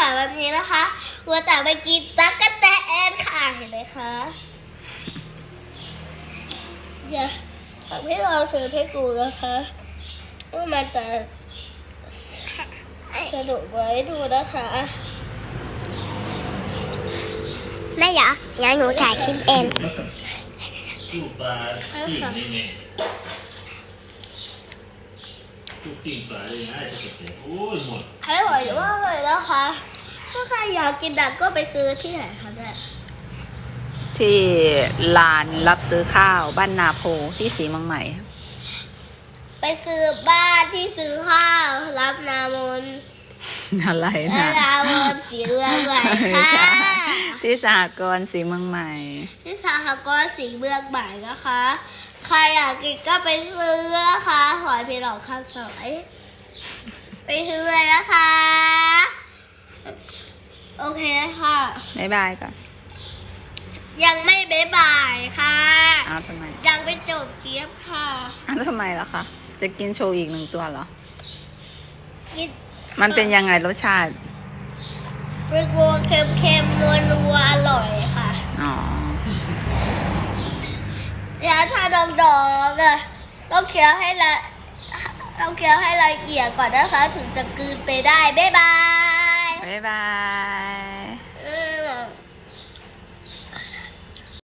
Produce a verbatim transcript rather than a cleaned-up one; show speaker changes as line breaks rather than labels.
วันนี้นะคะวัวแต่ไปกินตั๊กแตนค่ะเห็นไหมคะเดี๋ยวทำให้ลองซื้อให้กูนะคะว่ามันจะสนุกไว้ดูนะคะแม่อยากงั้นหนูถ่ายคลิปเอง
สู้ปลาปิ้งนี่ไงสู้ปิ้งปลาเลยนะจะเก็บโอ้ยหมด
ให้หอยว่าเลยนะคะถ้าใครอยากกินดักก็ไปซื้อที่ไหนคะแม่
ที่ลานรับซื้อข้าวบ้านนาโพที่ศรีเมืองใหม่
ไปซื้อบ้านที่ซื้อข้าวรับนามน
อะไรนะ
นามนสีเมืองใหม่ค่ะ
ที่สหกรณ์ศรีเมืองใหม่
ที่สหกรณ์สีเมืองใหม่นะคะใครอยากกินก็ไปซื้อนะคะหอยเพลอกข้าวสวยไปซื้อเลยนะคะโอเคค่ะ
บ๊ายบายก่อน
ยังไม่บ๊ายบายค่ะ
อ้าวทำไม
ยังไม่จบคลิปค่ะ
อ้าวทำไมล่ะคะจะกินโชว์อีกหนึ่งตัวเหรอ
กิน
มันเป็นยังไงรสชาติ
เป็นวัวเค็มๆนัวๆอร่อยค่ะ
อ๋อ
แล้วถ้าดองๆอ่ะต้องเคี้ยวให้ละต้องเคี้ยวให้ละเอียดก่อนนะคะถึงจะกลืนไปได้บ๊ายบาย
บ๊ายบาย